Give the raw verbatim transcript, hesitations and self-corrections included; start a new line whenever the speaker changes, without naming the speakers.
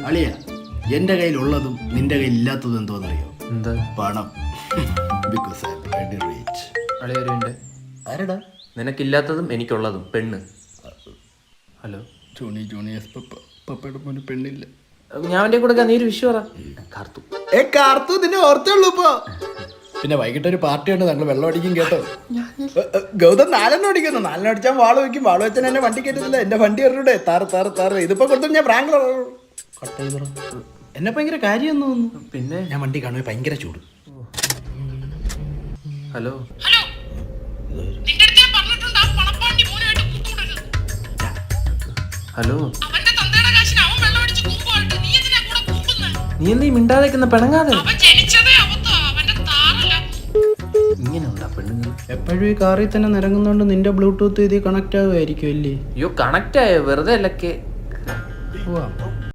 അളിയ എന്റെ കയ്യിലുള്ളതും നിന്റെ കയ്യിൽ ഇല്ലാത്തതും എന്തോന്നറിയോ?
എന്താ?
പണം. Because I am very rich.
അളിയൊരുണ്ട്.
ആരടാ?
നിനക്കില്ലാത്തതും എനിക്കുള്ളതും പെണ്ണ്. Hello
Johnny Johnny yes papa. പപ്പയുടെ മോന് പെണ്ണില്ല.
ഞാൻ അവൻ്റെ കൊടുക്കാൻ നീ ഒരു വിഷു പറ. കാർത്തു
ഏ കാർത്തു നിന്നെ ഓർത്തുള്ളൂ ഇപ്പൊ. പിന്നെ വൈകിട്ട് ഒരു പാർട്ടി ഉണ്ട്, ഞങ്ങൾ വെള്ളം അടിക്കും കേട്ടോ. ഗൗതം നാലെണ്ണം അടിക്കുന്നു. നാലെണ്ണം അടിച്ചാൽ വാള് വയ്ക്കും. വാള് വെച്ചാൽ എന്നെ വണ്ടി കയറ്റത്തില്ല. എന്റെ വണ്ടി എറിഞ്ഞൂടെ? താറ് താറ് താറ്. ഇതിപ്പോ കൊടുത്തു ഞാൻ പ്രാങ്ക് കട്ട് ചെയ്തോ. എന്നെ ഭയങ്കര കാര്യം തോന്നുന്നു.
പിന്നെ
ഞാൻ വണ്ടി കാണുമ്പോൾ ഭയങ്കര ചൂട്.
ഹലോ
ഹലോ, നിന്റെ അടുത്ത് ഞാൻ പറഞ്ഞിട്ടുണ്ട് ആ പണപ്പാണ്ടി മോനായിട്ട് കൂട്ടുകൂടരുത്.
ഹലോ
അവന്റെ തന്തയുടെ കാശിന് അവൻ വെള്ളം അടിച്ച് കൂമ്പുമായിട്ട് നീ എന്തിനാ കൂടെ കൂമ്പുന്നത്?
നീ എന്താ ഈ മിണ്ടാതെക്കുന്ന പെണങ്ങാതെ?
അവൻ ജനിച്ചതേ അവത്തോ, അവന്റെ താറല്ല.
ഇങ്ങനെയുള്ള പെണ്ണുങ്ങൾ
എപ്പോഴും ഈ കാറിൽ തന്നെ നിരങ്ങുന്നോണ്ട് നിന്റെ ബ്ലൂടൂത്ത് ഇതിൽ കണക്ട് ആവുമായിരിക്കും അല്ലേ?
അയ്യോ കണക്റ്റ് ആയോ? വെറുതെ അല്ലക്കെ.
പോവാം.